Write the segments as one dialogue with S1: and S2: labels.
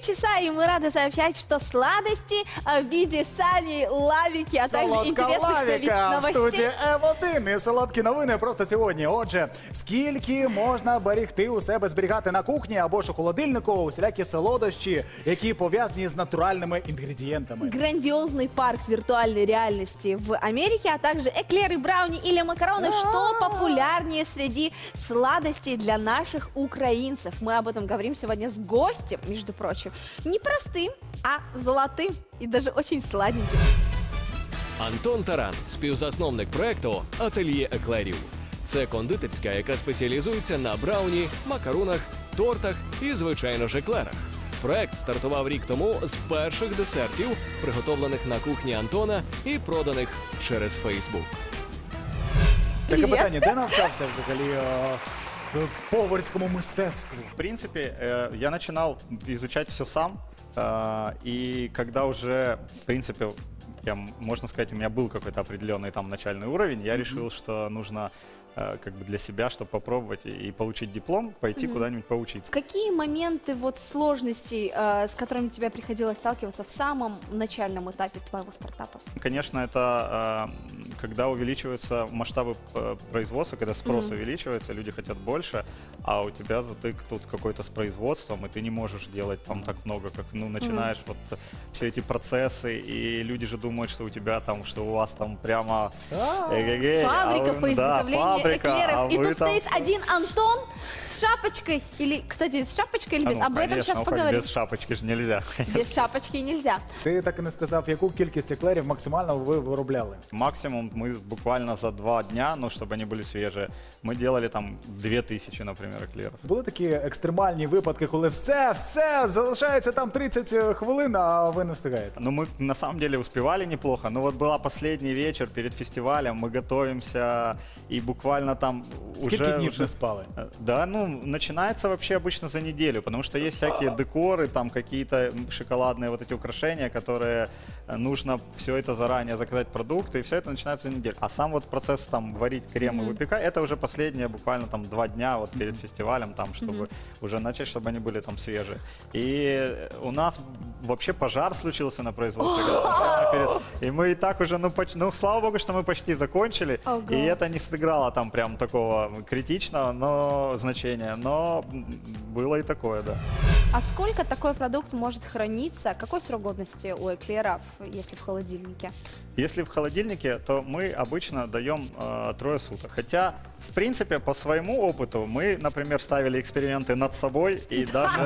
S1: часа, и мы рады сообщать, что сладости в виде сани, лавики, а также интересных
S2: Солодка-лавіка в
S1: новостей.
S2: студії М1 і солодкі новини просто сьогодні. Отже, скільки можна берегти у себе, зберігати на кухні або ж у холодильнику усілякі солодощі, які пов'язані з натуральними інгредієнтами.
S1: Грандиозный парк виртуальной реальности в Америке, а также эклеры, брауни или макароны, что популярнее среди сладостей для наших украинцев. Мы об этом говорим сегодня с гостем, между прочим, не простым, а золотым и даже очень сладеньким.
S3: Антон Таран, співзасновник проекту «Ательє еклерів». Це кондитерська, яка спеціалізується на брауні, макаронах, тортах і, звичайно ж, еклерах. Проект стартував рік тому з перших десертів, приготовлених на кухні Антона і проданих через Фейсбук.
S2: Таке
S1: Привіт.
S2: питання, де навчався взагалі поварському мистецтву?
S4: В принципе, я начинал изучать все сам, и когда уже, в принципе, можно сказать, у меня был какой-то определенный там начальный уровень, я решил, что нужно как бы для себя, чтобы попробовать и получить диплом, пойти куда-нибудь поучиться.
S1: Какие моменты вот сложностей, с которыми тебе приходилось сталкиваться в самом начальном этапе твоего стартапа?
S4: Конечно, это когда увеличиваются масштабы производства, когда спрос увеличивается, люди хотят больше, а у тебя затык тут какой-то с производством, и ты не можешь делать там так много, как, начинаешь вот все эти процессы, и люди же думают, что у тебя там, что у вас там прямо
S1: Фабрика по изготовлению эклеров.
S4: а
S1: И
S4: вы
S1: тут
S4: там
S1: стоит один Антон с шапочкой. Или, кстати, с шапочкой или без? Об этом сейчас поговорим.
S4: Без шапочки же нельзя.
S1: Без шапочки нельзя.
S2: Ти так і не сказав, яку кількість еклерів максимально ви виробляли?
S4: Максимум мы буквально за 2 дня, ну, чтобы они были свежие, мы делали там 2000, например, эклеров.
S2: Були такі екстремальні випадки, коли все, залишається там 30 хвилин, а ви не встигаєте?
S4: Ну, мы на самом деле успевали неплохо, но вот была последний вечер перед фестивалем, мы готовимся, и буквально там
S2: Скільки днів не спали?
S4: Да, ну, начинается вообще обычно за неделю, потому что есть всякие декоры, там какие-то шоколадные вот эти украшения, которые нужно все это заранее заказать продукты, и все это начинается за неделю. А сам вот процесс там варить крем и выпекать, это уже последние буквально там 2 дня вот перед фестивалем, там, чтобы уже начать, чтобы они были там свежие. И у нас вообще пожар случился на производстве. И мы и так уже, ну, слава богу, что мы почти закончили, и это не сыграло там прям такого критичного значения, но было и такое, да.
S1: А сколько такой продукт может храниться? Какой срок годности у эклеров, если в холодильнике?
S4: Если в холодильнике, то мы обычно даем 3 суток. Хотя, в принципе, по своему опыту мы, например, ставили эксперименты над собой и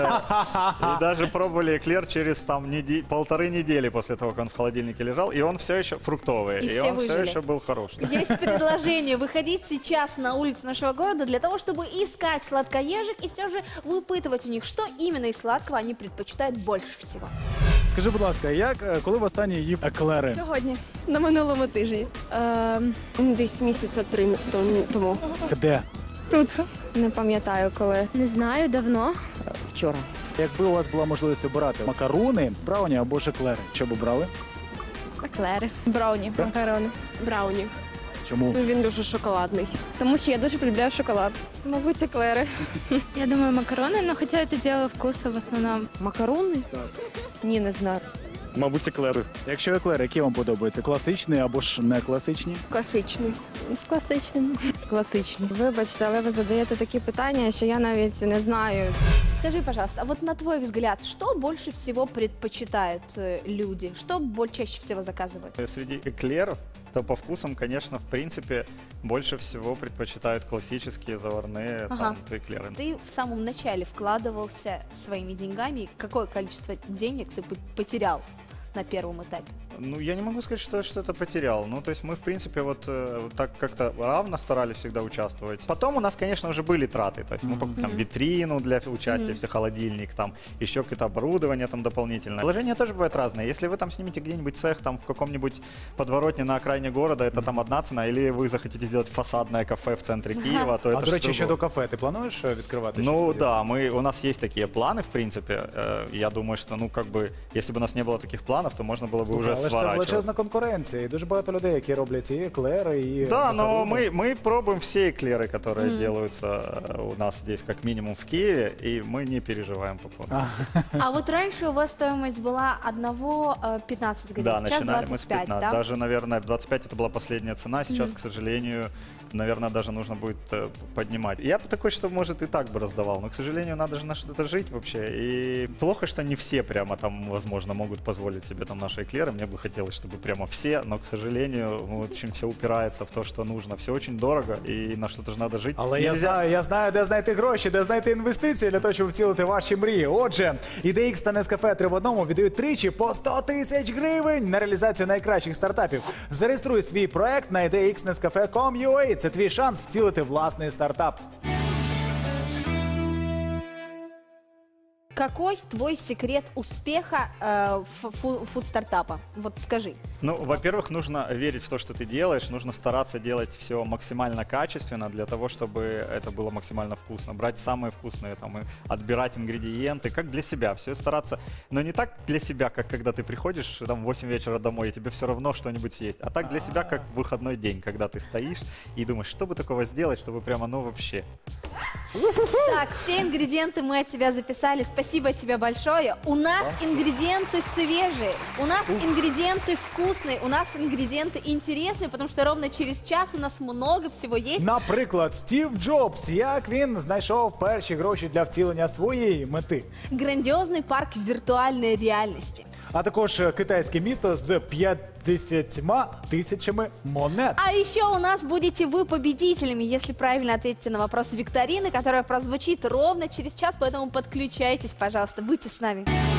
S4: даже пробовали эклер через там 1,5 недели после того, как он в холодильнике лежал, и он все еще фруктовый,
S1: И
S4: и
S1: все
S4: он все
S1: выжили.
S4: еще был хороший.
S1: Есть предложение выходить сейчас на улицу нашего города для того, чтобы искать сладкоежек и все же выпытывать у них, что именно из сладкого они предпочитают больше всего.
S2: Скажи, будь ласка, коли востаннє їв еклери?
S5: Сьогодні, на минулому тижні. Десь місяця 3 тому.
S2: Де?
S5: Тут. Не пам'ятаю коли.
S6: Не знаю, давно.
S5: Вчора.
S2: Якби у вас була можливість обирати макарони, брауні або ж еклери, що б обрали?
S6: Еклери.
S5: Брауні. Макарони. Брауні.
S2: Чому?
S5: Він дуже шоколадний.
S6: Тому що я дуже полюбляю шоколад.
S5: Мабуть, еклери.
S6: Я думаю, макароны, но хотя это дело вкуса в основном.
S5: Макарони?
S2: Так.
S5: Ні, не знаю.
S7: Мабуть, еклери.
S2: Якщо еклери, які вам подобаються? Класичні або ж не класичні?
S5: Класичний.
S6: З класичним.
S5: Класичний. Вибачте, але ви задаєте такі питання, що я навіть не знаю.
S1: Скажи, пожалуйста, а вот на твой взгляд, что больше всего предпочитают люди? Что чаще всего заказывают?
S4: Среди эклеров, то по вкусам, конечно, в принципе, больше всего предпочитают классические заварные там, эклеры.
S1: Ты в самом начале вкладывался своими деньгами. Какое количество денег ты потерял на первом этапе?
S4: Ну, я не могу сказать, что я что-то потерял. Ну, то есть мы, в принципе, вот так как-то равно старались всегда участвовать. Потом у нас, конечно, уже были траты. То есть мы покупали там витрину для участия, все холодильник, там еще какое-то оборудование там дополнительное. Вложения тоже бывают разные. Если вы там снимете где-нибудь цех там в каком-нибудь подворотне на окраине города, это там одна цена, или вы захотите сделать фасадное кафе в центре Киева, то это
S2: А, до речі,
S4: другое.
S2: щодо кафе, ти плануєш відкривати?
S4: Ну
S2: щось?
S4: да, у нас есть такие планы, в принципе. Я думаю, что, ну, как бы, если бы у нас не было таких планов, то можно было бы уже
S2: Але ж це
S4: сворачиваться.
S2: величезна конкуренція. І дуже багато людей, які роблять і еклери, і
S4: Да, но
S2: макарони.
S4: мы пробуем все эклеры, которые делаются у нас здесь как минимум в Киеве, и мы не переживаем по поводу.
S1: А вот раньше у вас стоимость была одного 15 гривен,
S4: Да,
S1: сейчас
S4: начинали мы с
S1: 25,
S4: 15.
S1: да?
S4: Даже, наверное, 25 это была последняя цена. Сейчас, к сожалению, наверное, даже нужно будет поднимать. Я бы такой, что, может, и так бы раздавал, но, к сожалению, надо же на что-то жить вообще. И плохо, что не все прямо там, возможно, могут позволить себе там наши эклеры. Мне бы хотелось, чтобы прямо все, но, к сожалению, в общем, все упирается в то, что нужно. Все очень дорого, и на что-то же надо жить.
S2: Але
S4: Нельзя-
S2: я знаю, де знайти гроші, де знайти інвестиції для того, щоб втілити ваші мрії. Отже, IDX та Nescafe 3 в одному віддають тричі по 100 тисяч гривень на реалізацію найкращих стартапів. Зареєструй свій проект на idxnescafe.com.ua. Це твій шанс втілити власний стартап.
S1: Какой твой секрет успеха фуд-стартапа? Вот скажи.
S4: Ну, во-первых, нужно верить в то, что ты делаешь, нужно стараться делать все максимально качественно для того, чтобы это было максимально вкусно. Брать самые вкусные, там, и отбирать ингредиенты, как для себя, все стараться. Но не так для себя, как когда ты приходишь там, в 8 вечера домой, и тебе все равно что-нибудь съесть, а так для себя, как выходной день, когда ты стоишь и думаешь, что бы такого сделать, чтобы прямо, ну, вообще.
S1: Так, все ингредиенты мы от тебя записали. Спасибо тебе большое. У нас ингредиенты свежие, у нас ингредиенты вкусные, у нас ингредиенты интересные, потому что ровно через час у нас много всего есть.
S2: Наприклад, Стів Джобс, як він знайшов перші гроші для втілення своєї мети.
S1: Грандиозный парк виртуальной реальности.
S2: А також китайське місто з 50 тисячами монет.
S1: А еще у нас будете вы победителями, если правильно ответите на вопрос викторины, которая прозвучит ровно через час, поэтому подключайтесь, пожалуйста, будьте с нами.